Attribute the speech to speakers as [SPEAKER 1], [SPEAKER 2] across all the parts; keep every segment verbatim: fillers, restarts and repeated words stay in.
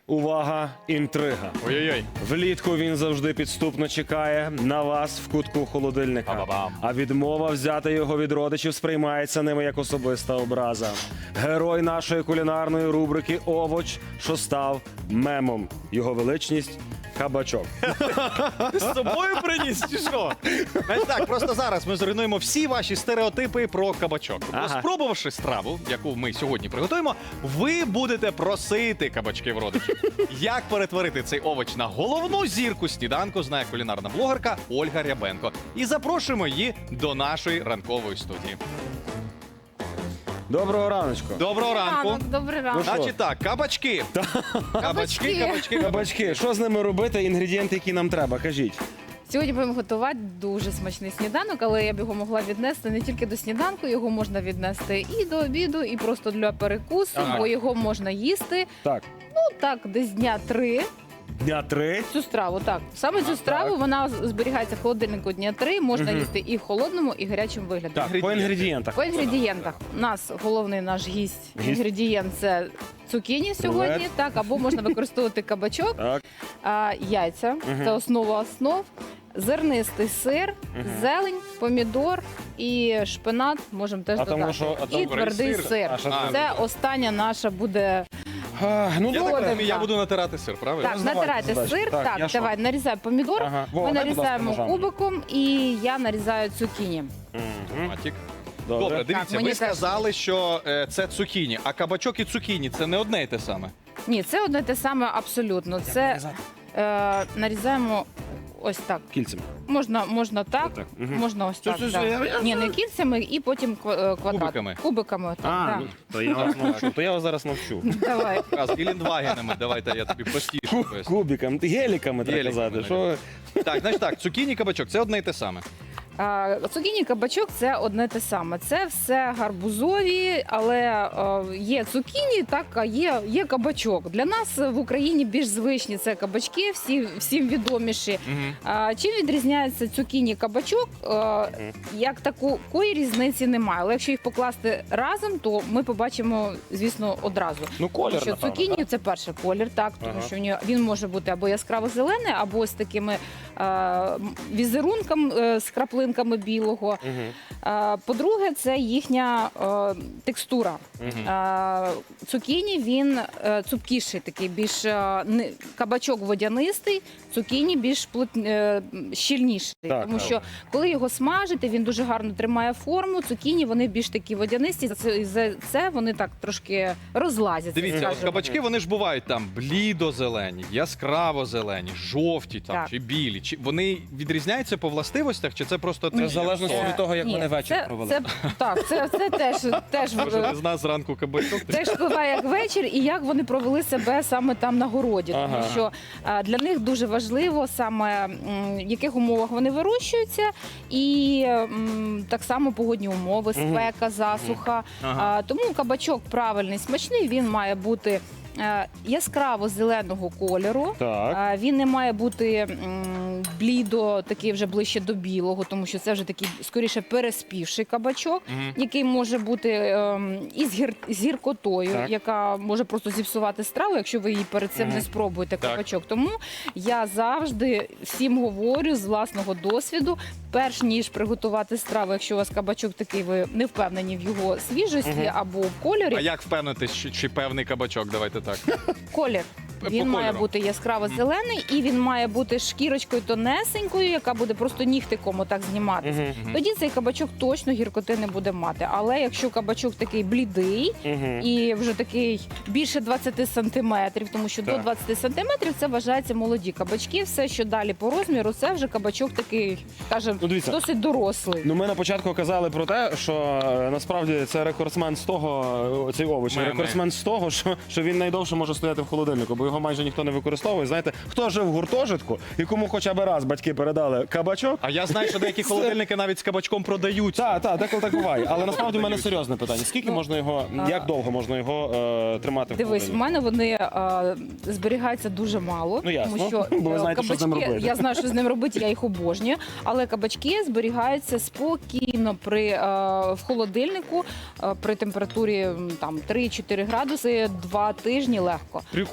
[SPEAKER 1] Увага, інтрига.
[SPEAKER 2] Ой-ой-ой.
[SPEAKER 1] Влітку він завжди підступно чекає на вас в кутку холодильника.
[SPEAKER 2] Ба-ба-бам.
[SPEAKER 1] А відмова взяти його від родичів сприймається ними як особиста образа. Герой нашої кулінарної рубрики «Овоч», що став мемом. Його величність – кабачок.
[SPEAKER 2] Ти з собою приніс чи що? Значить так, просто зараз ми зруйнуємо всі ваші стереотипи про кабачок.
[SPEAKER 1] Ага.
[SPEAKER 2] Спробувавши страву, яку ми сьогодні приготуємо, ви будете просити кабачки в родичів. Як перетворити цей овоч на головну зірку сніданку, знає кулінарна блогерка Ольга Рябенко. І запрошуємо її до нашої ранкової студії.
[SPEAKER 1] Доброго раночку.
[SPEAKER 2] Доброго ранку.
[SPEAKER 3] Ранок, добрий ранок.
[SPEAKER 1] Ну що?
[SPEAKER 2] Значить так, кабачки. Кабачки,
[SPEAKER 3] Кабачки.
[SPEAKER 2] кабачки,
[SPEAKER 1] Кабачки, що з ними робити? Інгредієнти, які нам треба, кажіть.
[SPEAKER 3] Сьогодні будемо готувати дуже смачний сніданок, але я б його могла віднести не тільки до сніданку, його можна віднести і до обіду, і просто для перекусу,
[SPEAKER 1] Ага.
[SPEAKER 3] бо його можна їсти.
[SPEAKER 1] Так,
[SPEAKER 3] Ну так, десь дня три.
[SPEAKER 1] дня три.
[SPEAKER 3] Цю страву, так. Саме цю страву
[SPEAKER 1] так.
[SPEAKER 3] вона зберігається в холодильнику дня три. Можна
[SPEAKER 1] Мгм.
[SPEAKER 3] їсти і в холодному, і в гарячому вигляді.
[SPEAKER 1] Так, по
[SPEAKER 2] Інгредієнти.
[SPEAKER 1] інгредієнтах.
[SPEAKER 3] По інгредієнтах. У нас головний наш гість,
[SPEAKER 1] Гість.
[SPEAKER 3] інгредієнт це цукіні сьогодні,
[SPEAKER 1] Рулет.
[SPEAKER 3] так, або можна використовувати кабачок,
[SPEAKER 1] Так,
[SPEAKER 3] а, яйця,
[SPEAKER 1] Мгм.
[SPEAKER 3] це основа основ, зернистий сир,
[SPEAKER 1] Мгм.
[SPEAKER 3] зелень, помідор і шпинат можемо теж
[SPEAKER 1] А
[SPEAKER 3] додати.
[SPEAKER 1] тому що- а
[SPEAKER 3] і
[SPEAKER 1] тому
[SPEAKER 3] твердий
[SPEAKER 2] сир.
[SPEAKER 3] сир.
[SPEAKER 1] А що
[SPEAKER 2] А,
[SPEAKER 3] Це остання наша буде.
[SPEAKER 1] А, ну
[SPEAKER 2] Я так
[SPEAKER 1] добре.
[SPEAKER 2] розумію, я буду натирати сир, правильно?
[SPEAKER 3] Так,
[SPEAKER 1] здавайте
[SPEAKER 3] натирайте
[SPEAKER 1] задачу.
[SPEAKER 3] сир.
[SPEAKER 1] Так,
[SPEAKER 3] Так,
[SPEAKER 1] я що?
[SPEAKER 3] давай, нарізай помідор.
[SPEAKER 1] Ага. Вова,
[SPEAKER 3] Ми
[SPEAKER 1] дай, будь ласка,
[SPEAKER 3] нарізаємо
[SPEAKER 1] ножами.
[SPEAKER 3] кубиком і я нарізаю цукіні.
[SPEAKER 1] Мгм.
[SPEAKER 2] Матік.
[SPEAKER 1] Добре.
[SPEAKER 2] Добре, дивіться,
[SPEAKER 3] Так, мені
[SPEAKER 2] ви
[SPEAKER 3] теж.
[SPEAKER 2] сказали, що е, це цукіні, а кабачок і цукіні це не одне й те саме.
[SPEAKER 3] Ні, це одне те саме абсолютно. Це е, нарізаємо ось так.
[SPEAKER 1] Кільцем.
[SPEAKER 3] Можна, можна так,
[SPEAKER 1] Отак, мгм.
[SPEAKER 3] можна ось
[SPEAKER 1] Все,
[SPEAKER 3] так.
[SPEAKER 1] все,
[SPEAKER 3] да.
[SPEAKER 1] все, я- я-
[SPEAKER 3] Ні, не кільцями і потім ква- е, квадрат.
[SPEAKER 2] Кубиками.
[SPEAKER 3] Кубиками. отак,
[SPEAKER 1] А,
[SPEAKER 3] да.
[SPEAKER 1] ну, то я вас навчу, то я вас зараз навчу.
[SPEAKER 3] Давай.
[SPEAKER 2] Раз, і ліндвагенами, давайте я тобі простіше
[SPEAKER 1] Ку-
[SPEAKER 2] поясню.
[SPEAKER 1] Кубиком, геліками треба
[SPEAKER 2] Геліками,
[SPEAKER 1] казати. Що...
[SPEAKER 2] Так, значить так, цукіні, кабачок це одне й те саме.
[SPEAKER 3] А, цукіні, кабачок це одне те саме. Це все гарбузові, але е, є цукіні, так, а є, є кабачок. Для нас в Україні більш звичні це кабачки, всі, всім відоміші.
[SPEAKER 2] Угу.
[SPEAKER 3] А, чим відрізняється цукіні кабачок? Е, як такої різниці немає. Але якщо їх покласти разом, то ми побачимо, звісно, одразу.
[SPEAKER 1] Ну, колір,
[SPEAKER 3] Тому що
[SPEAKER 1] напевно,
[SPEAKER 3] цукіні
[SPEAKER 1] так?
[SPEAKER 3] це перший колір, так, тому
[SPEAKER 1] Ага.
[SPEAKER 3] що в нього- він може бути або яскраво зелений, або з такими е, візерунками, е, з краплинками білого.
[SPEAKER 1] Мгм.
[SPEAKER 3] Е, по-друге, це їхня е, текстура.
[SPEAKER 1] Мгм.
[SPEAKER 3] Е, цукіні він е, цупкіший, такий більш е, не- кабачок водянистий, цукіні більш плот, е, щільніший.
[SPEAKER 1] Так,
[SPEAKER 3] тому
[SPEAKER 1] так.
[SPEAKER 3] що коли його смажити, він дуже гарно тримає форму. Цукіні вони більш такі водянисті. За це, за це вони так трошки розлазяться.
[SPEAKER 2] Дивіться, от
[SPEAKER 3] скажімо.
[SPEAKER 2] кабачки вони ж бувають там блідо-зелені, яскраво-зелені, жовті там
[SPEAKER 3] Так.
[SPEAKER 2] чи білі. Чи вони відрізняються по властивостях, чи це просто
[SPEAKER 1] Це в залежності
[SPEAKER 3] Е,
[SPEAKER 1] від того, як
[SPEAKER 3] ні,
[SPEAKER 1] вони вечір
[SPEAKER 3] це,
[SPEAKER 1] провели.
[SPEAKER 3] Це, так, це, це теж, теж,
[SPEAKER 2] Може, ти з нас зранку кабачок?
[SPEAKER 3] теж впливає як вечір і як вони провели себе саме там на городі. Тому
[SPEAKER 1] Ага.
[SPEAKER 3] що е, для них дуже важливо саме м, в яких умовах вони вирощуються, і м, так само погодні умови,
[SPEAKER 1] Мгм.
[SPEAKER 3] спека, засуха.
[SPEAKER 2] Ага.
[SPEAKER 3] А, тому кабачок правильний, смачний, він має бути е, яскраво зеленого кольору.
[SPEAKER 1] Так.
[SPEAKER 3] А, Він не має бути м, блідо, такий вже ближче до білого, тому що це вже такий скоріше переспівший кабачок,
[SPEAKER 2] Мгм.
[SPEAKER 3] який може бути ем, із гір, з гіркотою,
[SPEAKER 1] Так.
[SPEAKER 3] яка може просто зіпсувати страву, якщо ви її перед цим
[SPEAKER 1] Мгм.
[SPEAKER 3] не спробуєте
[SPEAKER 2] Так.
[SPEAKER 3] кабачок. Тому я завжди всім говорю з власного досвіду, перш ніж приготувати страву, якщо у вас кабачок такий, ви не впевнені в його свіжості
[SPEAKER 1] Мгм.
[SPEAKER 3] або в кольорі.
[SPEAKER 2] А як впевнитись, чи, чи певний кабачок? Давайте так.
[SPEAKER 3] Колір.
[SPEAKER 2] По
[SPEAKER 3] Він має
[SPEAKER 2] кольору.
[SPEAKER 3] бути яскраво зелений і він має бути шкірочкою тонесенькою, яка буде просто нігтиком отак зніматися.
[SPEAKER 1] Мгм.
[SPEAKER 2] Мгм.
[SPEAKER 3] Тоді цей кабачок точно гіркоти не буде мати. Але якщо кабачок такий блідий
[SPEAKER 1] Мгм.
[SPEAKER 3] і вже такий більше двадцяти сантиметрів, тому що до
[SPEAKER 1] Так.
[SPEAKER 3] двадцяти сантиметрів це вважається молоді кабачки. Все, що далі по розміру, це вже кабачок такий, скажімо,
[SPEAKER 1] Ну, дивіться.
[SPEAKER 3] досить дорослий.
[SPEAKER 1] Ну, ми на початку казали про те, що е, насправді це рекордсмен з того, е, цей овоч,
[SPEAKER 2] Ми- ми.
[SPEAKER 1] рекордсмен з того, що, що він найдовше може стояти в холодильнику, бо його майже ніхто не використовує. Знаєте, хто жив в гуртожитку і кому хоча б раз батьки передали кабачок.
[SPEAKER 2] А я знаю, що деякі холодильники навіть з кабачком продаються.
[SPEAKER 1] Так, так, деколи так буває. Але насправді в мене серйозне питання. Скільки
[SPEAKER 3] Ну,
[SPEAKER 1] можна його,
[SPEAKER 3] а-
[SPEAKER 1] як довго можна його е, тримати в
[SPEAKER 3] Дивись, в
[SPEAKER 1] холодильнику?
[SPEAKER 3] мене вони е, зберігаються дуже мало,
[SPEAKER 1] Ну, ясно.
[SPEAKER 3] тому що
[SPEAKER 1] Бо ви
[SPEAKER 3] е,
[SPEAKER 1] знаєте, що з ним
[SPEAKER 3] кабачки,
[SPEAKER 1] робити.
[SPEAKER 3] я знаю, що з ним робити, я їх обожнюю. Але кабачки зберігаються спокійно при е, в холодильнику е, при температурі м, там три-чотири градуси, два тижні легко.
[SPEAKER 1] Прикольно.
[SPEAKER 3] А якщо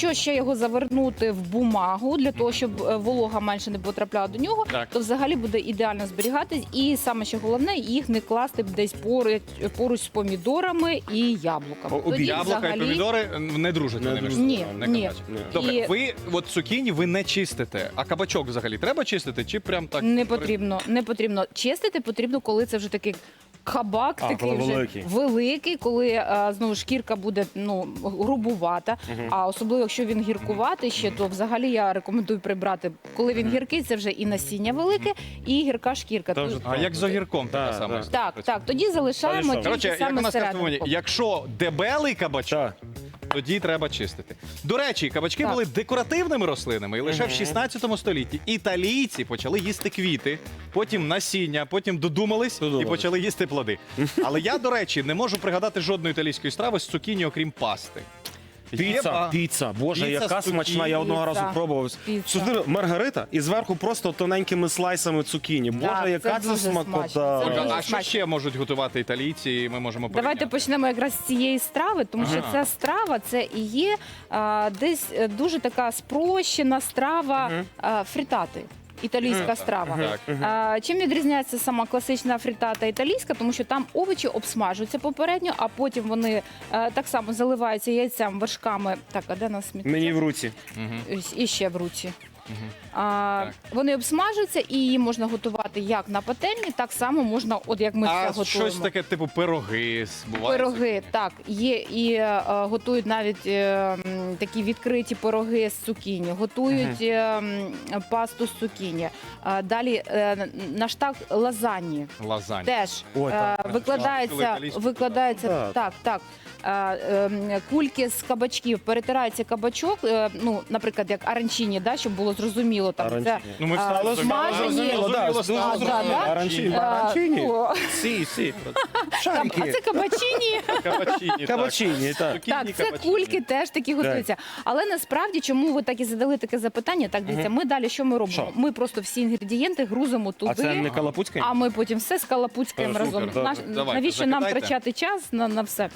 [SPEAKER 3] якщо ще його завернути в бумагу, для того, щоб е, волога менше не потрапляла до нього,
[SPEAKER 2] Так.
[SPEAKER 3] то взагалі буде ідеально зберігатись. І саме ще головне, їх не класти десь поруч, поруч з помідорами і яблуками.
[SPEAKER 1] О, обід.
[SPEAKER 3] Тоді
[SPEAKER 2] Яблука і
[SPEAKER 3] взагалі-
[SPEAKER 2] помідори не дружать
[SPEAKER 1] Не
[SPEAKER 2] вони між
[SPEAKER 1] дружать.
[SPEAKER 2] собою,
[SPEAKER 3] Ні,
[SPEAKER 2] не
[SPEAKER 3] ні.
[SPEAKER 2] кабачки.
[SPEAKER 1] Ні.
[SPEAKER 2] Добре,
[SPEAKER 3] І-
[SPEAKER 2] ви от цукіні ви не чистите, а кабачок взагалі треба чистити чи прям так?
[SPEAKER 3] Не потрібно, не потрібно. Чистити потрібно, коли це вже такий кабак,
[SPEAKER 1] А,
[SPEAKER 3] такий
[SPEAKER 1] коли
[SPEAKER 3] вже
[SPEAKER 1] великий.
[SPEAKER 3] великий, коли е, знову шкірка буде ну грубувата. А особливо, якщо він гіркуватий ще, то взагалі я рекомендую прибрати. Коли він гіркий, це вже і насіння велике, і гірка шкірка.
[SPEAKER 1] Та
[SPEAKER 3] Тут-
[SPEAKER 1] вже
[SPEAKER 2] А як з огірком така
[SPEAKER 1] Так,
[SPEAKER 2] сама?
[SPEAKER 1] так.
[SPEAKER 2] історія
[SPEAKER 3] Так,
[SPEAKER 2] працює?
[SPEAKER 3] так, тоді залишаємо
[SPEAKER 1] Та й що?
[SPEAKER 3] тільки
[SPEAKER 2] Коротше, як у
[SPEAKER 3] саме
[SPEAKER 2] нас кажуть,
[SPEAKER 3] середину.
[SPEAKER 2] якщо дебелий кабачок,
[SPEAKER 1] Так.
[SPEAKER 2] тоді треба чистити. До речі, кабачки
[SPEAKER 3] Так.
[SPEAKER 2] були декоративними рослинами, і лише в шістнадцятому столітті італійці почали їсти квіти, потім насіння, потім додумались і
[SPEAKER 1] Додумались.
[SPEAKER 2] почали їсти плоди. Але я, до речі, не можу пригадати жодної італійської страви з цукіні, окрім пасти. Є
[SPEAKER 1] Піца,
[SPEAKER 2] ба-
[SPEAKER 1] піца, боже,
[SPEAKER 2] Піца
[SPEAKER 1] яка
[SPEAKER 2] з цукіні.
[SPEAKER 1] смачна. Я одного
[SPEAKER 3] Піца.
[SPEAKER 1] разу пробував.
[SPEAKER 3] Піца.
[SPEAKER 1] Сюди маргарита і зверху просто тоненькими слайсами цукіні. Боже,
[SPEAKER 3] це
[SPEAKER 1] яка це
[SPEAKER 3] дуже
[SPEAKER 1] смакота.
[SPEAKER 3] смачно. Це
[SPEAKER 2] Ольга,
[SPEAKER 3] дуже
[SPEAKER 2] а що
[SPEAKER 3] смачно.
[SPEAKER 2] ще можуть готувати італійці, і ми можемо
[SPEAKER 3] Давайте
[SPEAKER 2] порівняти?
[SPEAKER 3] почнемо якраз з цієї страви, тому що
[SPEAKER 2] Ага.
[SPEAKER 3] ця страва це і є а, десь е, дуже така спрощена страва а, фрітати. Італійська страва.
[SPEAKER 2] Так.
[SPEAKER 3] А, чим відрізняється сама класична фрітата італійська? Тому що там овочі обсмажуються попередньо, а потім вони е, так само заливаються яйцем, вершками. Так, а де нас сміття?
[SPEAKER 1] Мені в руці.
[SPEAKER 2] Мгм.
[SPEAKER 3] І ще в руці.
[SPEAKER 2] Мгм.
[SPEAKER 3] А,
[SPEAKER 2] Так.
[SPEAKER 3] вони обсмажуються і її можна готувати як на пательні, так само можна, от як ми це
[SPEAKER 2] А
[SPEAKER 3] готуємо.
[SPEAKER 2] щось таке, типу пироги, буває?
[SPEAKER 3] Пироги, так, є і е, готують навіть е, м, такі відкриті пироги з цукіні, готують е, м, пасту з цукіні. Е, далі е, на штат лазаньї
[SPEAKER 2] Лазань.
[SPEAKER 3] теж
[SPEAKER 1] Ой,
[SPEAKER 3] е,
[SPEAKER 1] так,
[SPEAKER 3] викладається,
[SPEAKER 2] італійську,
[SPEAKER 3] викладається
[SPEAKER 1] так.
[SPEAKER 3] так, так. Е, е, кульки з кабачків, перетирається кабачок, е, ну, наприклад, як аранчині, да, щоб було зрозуміло. Там, це,
[SPEAKER 1] Аранчині.
[SPEAKER 2] Ну, ми
[SPEAKER 3] А,
[SPEAKER 2] встали,
[SPEAKER 3] смажені.
[SPEAKER 2] зрозуміло,
[SPEAKER 1] Да,
[SPEAKER 2] зрозуміло,
[SPEAKER 1] дуже
[SPEAKER 2] стало
[SPEAKER 3] да,
[SPEAKER 2] зрозуміло.
[SPEAKER 3] да.
[SPEAKER 1] Аранчині.
[SPEAKER 3] е,
[SPEAKER 1] Аранчині?
[SPEAKER 3] о,
[SPEAKER 1] Сі, сі.
[SPEAKER 3] а
[SPEAKER 1] Шарики.
[SPEAKER 3] це кабачині.
[SPEAKER 2] Кабачині, так.
[SPEAKER 1] Кабачині, так.
[SPEAKER 2] Цукіні,
[SPEAKER 3] Так, це
[SPEAKER 2] кабачині.
[SPEAKER 3] кульки теж такі готуються. Але насправді, чому ви так і задали таке запитання? Так, дивіться, ми далі що ми робимо?
[SPEAKER 1] Що?
[SPEAKER 3] Ми просто всі інгредієнти грузимо туди.
[SPEAKER 1] А це не калапуцька?
[SPEAKER 3] А ми потім все скалапуцькаємо
[SPEAKER 1] Е, супер,
[SPEAKER 3] разом.
[SPEAKER 1] добре.
[SPEAKER 3] Наш-
[SPEAKER 2] Давайте,
[SPEAKER 3] навіщо нам
[SPEAKER 2] закидайте.
[SPEAKER 3] втрачати час на, на все?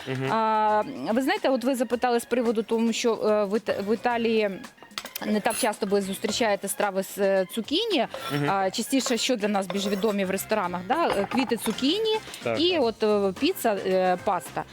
[SPEAKER 3] А, ви знаєте, от ви запитали з приводу тому, що е, в, Іта- в Італії. Не так часто ви зустрічаєте страви з е, цукіні. А, частіше, що для нас більш відомі в ресторанах, да? е, квіти цукіні
[SPEAKER 1] Так,
[SPEAKER 3] і от е, піца, е, паста.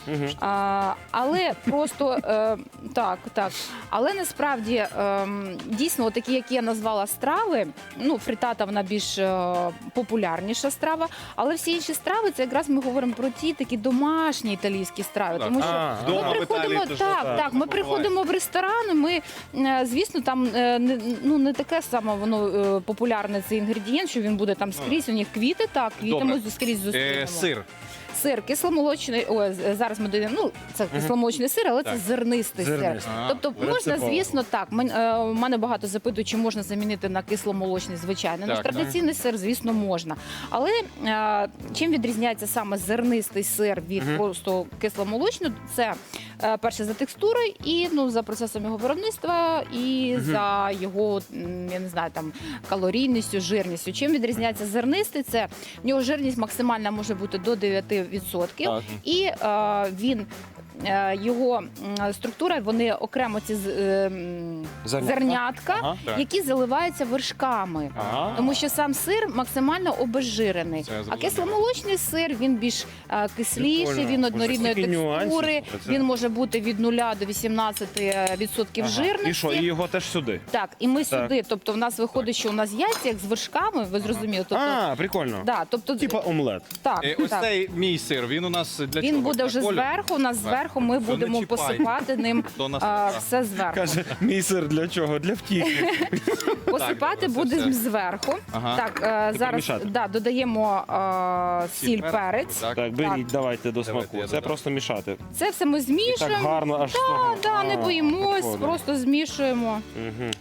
[SPEAKER 3] А, але просто е, так, так. Але насправді е, дійсно, от такі, які я назвала страви, ну фрітата вона більш е, популярніша страва, але всі інші страви це якраз ми говоримо про ті такі домашні італійські страви.
[SPEAKER 2] Так.
[SPEAKER 3] Тому що
[SPEAKER 1] А,
[SPEAKER 3] ми
[SPEAKER 2] Вдома в
[SPEAKER 3] приходимо
[SPEAKER 2] Італії теж
[SPEAKER 3] так,
[SPEAKER 2] так,
[SPEAKER 3] так. Ми
[SPEAKER 2] буває.
[SPEAKER 3] приходимо в ресторан. Ми е, звісно, там е, не ну не таке саме воно е, популярне цей інгредієнт, що він буде там скрізь. У них квіти, так квіти
[SPEAKER 2] Добре.
[SPEAKER 3] ми скрізь зустрінемо.
[SPEAKER 2] Е, Сир.
[SPEAKER 3] Сир кисломолочний. Ой, з- зараз ми додаємо. Ну це кисломолочний сир, але
[SPEAKER 2] Так.
[SPEAKER 3] це зернистий,
[SPEAKER 1] Зернистий.
[SPEAKER 3] сир.
[SPEAKER 2] А,
[SPEAKER 3] Тобто можна,
[SPEAKER 1] рецептовано.
[SPEAKER 3] звісно, так. Мен- е, У мене багато запитують, чи можна замінити на кисломолочний звичайний. Наш
[SPEAKER 2] Так, так.
[SPEAKER 3] традиційний сир, звісно, можна. Але е, чим відрізняється саме зернистий сир від просто кисломолочного? Це е, перше за текстурою і ну за процесом його виробництва, і за його м, я не знаю там калорійністю, жирністю. Чим відрізняється зернистий? Це в нього жирність максимальна може бути до дев'ять відсотків.
[SPEAKER 2] Так.
[SPEAKER 3] І е, він. е, Його м, структура, вони окремо ці з- е, м,
[SPEAKER 1] Зернятка.
[SPEAKER 3] зернятка,
[SPEAKER 1] Ага.
[SPEAKER 2] Так.
[SPEAKER 3] які заливаються вершками.
[SPEAKER 1] Ага.
[SPEAKER 3] Тому що сам сир максимально обезжирений.
[SPEAKER 2] Це я
[SPEAKER 3] А
[SPEAKER 2] зрозумів.
[SPEAKER 3] кисломолочний сир він більш е, кисліший,
[SPEAKER 1] Прикольно.
[SPEAKER 3] він
[SPEAKER 1] Боже,
[SPEAKER 3] однорідної
[SPEAKER 1] стільки нюансів
[SPEAKER 3] текстури.
[SPEAKER 1] про це.
[SPEAKER 3] Він може бути від нуля до вісімнадцяти відсотків
[SPEAKER 1] Ага.
[SPEAKER 3] жирності.
[SPEAKER 1] І що, і його теж сюди?
[SPEAKER 3] Так, і ми
[SPEAKER 1] Так.
[SPEAKER 3] сюди. Тобто, в нас виходить, що у нас яйця як з вершками, ви зрозуміли. Тобто,
[SPEAKER 1] А, прикольно.
[SPEAKER 3] да, тобто,
[SPEAKER 1] Типа омлет.
[SPEAKER 3] так,
[SPEAKER 2] Е, Ось
[SPEAKER 3] так.
[SPEAKER 2] цей мій сир, він у нас для
[SPEAKER 3] Він
[SPEAKER 2] чого?
[SPEAKER 3] буде
[SPEAKER 2] Для
[SPEAKER 3] вже
[SPEAKER 2] кольору?
[SPEAKER 3] зверху. У нас
[SPEAKER 2] Зверху.
[SPEAKER 3] зверху ми
[SPEAKER 2] То не
[SPEAKER 3] будемо
[SPEAKER 2] чіпай.
[SPEAKER 3] посипати ним
[SPEAKER 2] То нас-
[SPEAKER 3] а,
[SPEAKER 2] так.
[SPEAKER 3] все зверху.
[SPEAKER 1] Каже, мій сир для чого? Для втіхи.
[SPEAKER 3] Посипати
[SPEAKER 2] добре, це
[SPEAKER 3] будемо
[SPEAKER 2] все.
[SPEAKER 3] зверху.
[SPEAKER 2] Ага.
[SPEAKER 3] Так, е, зараз
[SPEAKER 1] мішати.
[SPEAKER 3] да, додаємо е, сіль, перець.
[SPEAKER 2] Так.
[SPEAKER 1] Так, беріть, давайте до
[SPEAKER 2] Давайте,
[SPEAKER 1] смаку.
[SPEAKER 2] я
[SPEAKER 1] Це
[SPEAKER 2] додам.
[SPEAKER 1] просто мішати.
[SPEAKER 3] Це все ми
[SPEAKER 1] І так
[SPEAKER 3] змішуємо.
[SPEAKER 1] гарно аж з того.
[SPEAKER 3] Да, не
[SPEAKER 1] А,
[SPEAKER 3] боїмось,
[SPEAKER 1] прикольно.
[SPEAKER 3] просто змішуємо.
[SPEAKER 1] Мгм.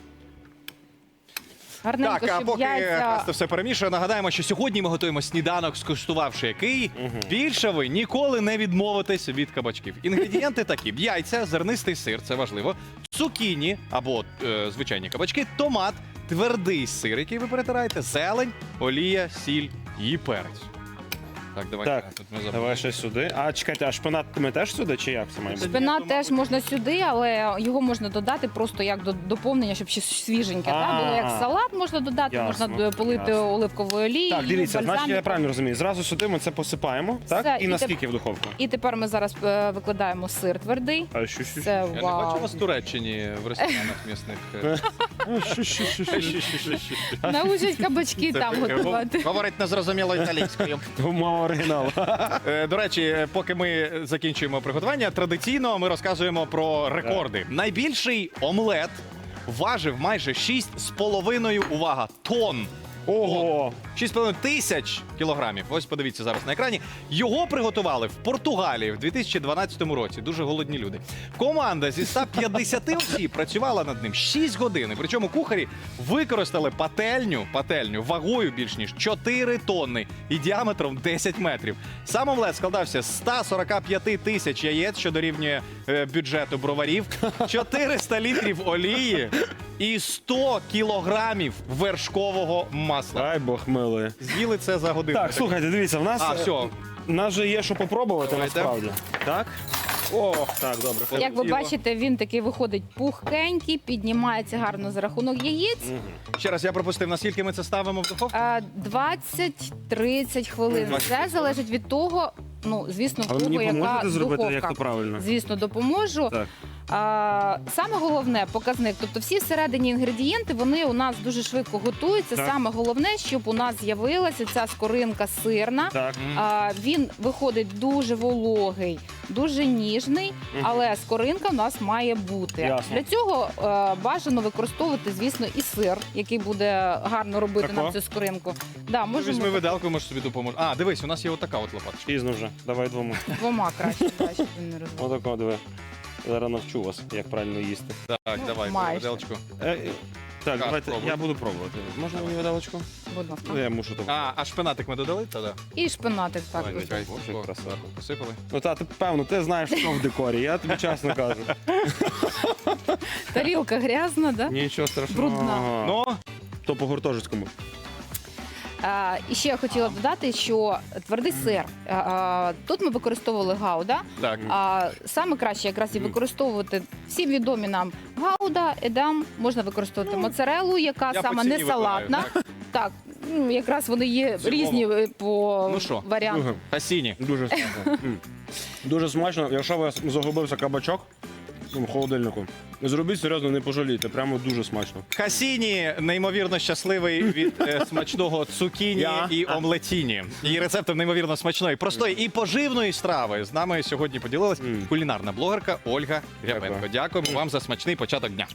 [SPEAKER 3] Гарненько,
[SPEAKER 2] Так, а
[SPEAKER 3] щоб
[SPEAKER 2] поки
[SPEAKER 3] яйця...
[SPEAKER 2] Христо все перемішує, нагадаємо, що сьогодні ми готуємо сніданок, скуштувавши який. Більше ви ніколи не відмовитесь від кабачків. Інгредієнти такі: яйця, зернистий сир, це важливо, цукіні або е, звичайні кабачки, томат, твердий сир, який ви перетираєте, зелень, олія, сіль і перець. Так, давай.
[SPEAKER 1] Так,
[SPEAKER 2] Тут ми забули.
[SPEAKER 1] давай ще сюди. А чекайте, а шпинат ми теж сюди чи як це має бути?
[SPEAKER 3] Шпинат теж можна сюди, але його можна додати просто як до доповнення, щоб ще свіженьке.
[SPEAKER 1] А,
[SPEAKER 3] Так? Було як салат можна додати,
[SPEAKER 1] ясно,
[SPEAKER 3] можна полити
[SPEAKER 1] ясно.
[SPEAKER 3] оливковою олією.
[SPEAKER 1] Так, дивіться, значить я
[SPEAKER 3] бальзаміком.
[SPEAKER 1] правильно розумію. Зразу сюди ми це посипаємо, так?
[SPEAKER 3] Все,
[SPEAKER 1] І
[SPEAKER 3] і
[SPEAKER 1] наскільки в духовку?
[SPEAKER 3] І тепер ми зараз е, викладаємо сир твердий.
[SPEAKER 1] А що, що,
[SPEAKER 3] Це
[SPEAKER 2] Я не бачу
[SPEAKER 3] вау.
[SPEAKER 2] вас в Туреччині в ресторанах місних.
[SPEAKER 1] що, що, що, що, що, що, що.
[SPEAKER 3] Научать кабачки там готувати.
[SPEAKER 2] Говорить незрозуміло італійською.
[SPEAKER 1] Мова оригіналу.
[SPEAKER 2] Е, До речі, поки ми закінчуємо приготування, традиційно ми розказуємо про рекорди. Найбільший омлет важив майже шість з половиною, увага, тонн.
[SPEAKER 1] Ого!
[SPEAKER 2] шість з половиною тисяч кілограмів. Ось подивіться зараз на екрані. Його приготували в Португалії в дві тисячі дванадцятому році. Дуже голодні люди. Команда зі ста п'ятдесяти осіб працювала над ним шість годин. І причому кухарі використали пательню, пательню вагою більш ніж чотири тонни і діаметром десять метрів. Сам омлет складався з ста сорока п'яти тисяч яєць, що дорівнює е, бюджету броварів, чотириста літрів олії і сто кілограмів вершкового масла.
[SPEAKER 1] Ай, Бог милий.
[SPEAKER 2] З'їли це за годину.
[SPEAKER 1] Так, слухайте, дивіться, в нас,
[SPEAKER 2] А, все.
[SPEAKER 1] в нас же є що попробувати
[SPEAKER 2] Давайте.
[SPEAKER 1] насправді. Так? О, так, добре.
[SPEAKER 3] Як ви
[SPEAKER 2] Тіло.
[SPEAKER 3] бачите, він такий виходить пухкенький, піднімається гарно за рахунок яєць.
[SPEAKER 2] Ще раз я пропустив, наскільки ми це ставимо в духовку?
[SPEAKER 3] А, двадцять-тридцять хвилин.
[SPEAKER 2] двадцять.
[SPEAKER 3] Це залежить від того, ну, звісно, в
[SPEAKER 1] А ви
[SPEAKER 3] кого
[SPEAKER 1] мені
[SPEAKER 3] яка
[SPEAKER 1] поможете зробити,
[SPEAKER 3] духовка.
[SPEAKER 1] як то правильно?
[SPEAKER 3] Звісно, допоможу.
[SPEAKER 1] Так.
[SPEAKER 3] А, саме головне показник, тобто всі всередині інгредієнти, вони у нас дуже швидко готуються.
[SPEAKER 1] Так.
[SPEAKER 3] Саме головне, щоб у нас з'явилася ця скоринка сирна.
[SPEAKER 1] Так.
[SPEAKER 3] А, він виходить дуже вологий, дуже ніжний,
[SPEAKER 1] Мгм.
[SPEAKER 3] але скоринка в нас має бути.
[SPEAKER 1] Ясно.
[SPEAKER 3] Для цього е, бажано використовувати, звісно, і сир, який буде гарно робити
[SPEAKER 1] Тако?
[SPEAKER 3] нам цю скоринку. Да, можемо
[SPEAKER 2] Візьми виделку, може собі допоможе. А, дивись, у нас є отака от лопаточка.
[SPEAKER 1] Пізно вже. Давай двома.
[SPEAKER 3] двома краще, да, щоб він не розвалився.
[SPEAKER 1] Отако, диви. Зараз навчу вас, як правильно їсти.
[SPEAKER 2] Так,
[SPEAKER 3] Ну,
[SPEAKER 2] давай,
[SPEAKER 3] майже.
[SPEAKER 2] виделочку.
[SPEAKER 1] Е, е, так,
[SPEAKER 2] Так,
[SPEAKER 1] давайте,
[SPEAKER 2] пробуй.
[SPEAKER 1] я буду пробувати. Можна мені видалочку?
[SPEAKER 3] Будь ласка.
[SPEAKER 1] Ну, я мушу то.
[SPEAKER 2] А, а шпинатик ми додали? Та-да.
[SPEAKER 3] І шпинатик так.
[SPEAKER 2] Давай, чекай.
[SPEAKER 1] Боже,
[SPEAKER 2] О,
[SPEAKER 1] краса.
[SPEAKER 2] зверху посипали.
[SPEAKER 1] Ну, та, ти, певно, ти знаєш, що в декорі, я тобі чесно кажу.
[SPEAKER 3] Тарілка грязна, да?
[SPEAKER 1] Нічого страшного.
[SPEAKER 3] Брудна.
[SPEAKER 2] Ну,
[SPEAKER 1] То по гуртожитському.
[SPEAKER 3] А, і ще я хотіла додати, що твердий сир. А, а, тут ми використовували гауда.
[SPEAKER 2] так.
[SPEAKER 3] А саме краще якраз і використовувати всі відомі нам гауда, едам, можна використовувати моцарелу, яка
[SPEAKER 2] Я по
[SPEAKER 3] сама
[SPEAKER 2] ціні
[SPEAKER 3] не салатна.
[SPEAKER 2] вибираю,
[SPEAKER 3] Так, ну, якраз вони є
[SPEAKER 2] В цілому.
[SPEAKER 3] різні е, по
[SPEAKER 2] Ну що?
[SPEAKER 3] варіантам.
[SPEAKER 1] Дуже,
[SPEAKER 2] Хасіні.
[SPEAKER 1] дуже смачно. М. Дуже смачно. Якщо у вас загубився кабачок ну, в холодильнику, зробіть серйозно, не пожалійте. Прямо дуже смачно.
[SPEAKER 2] Хасіні неймовірно щасливий від е, смачного цукіні
[SPEAKER 1] Я?
[SPEAKER 2] і омлетіні. Її рецептом неймовірно смачної, простої і поживної страви з нами сьогодні поділилась
[SPEAKER 1] Мм.
[SPEAKER 2] кулінарна блогерка Ольга Рябенко.
[SPEAKER 1] Дякую.
[SPEAKER 2] Дякуємо вам за смачний початок дня.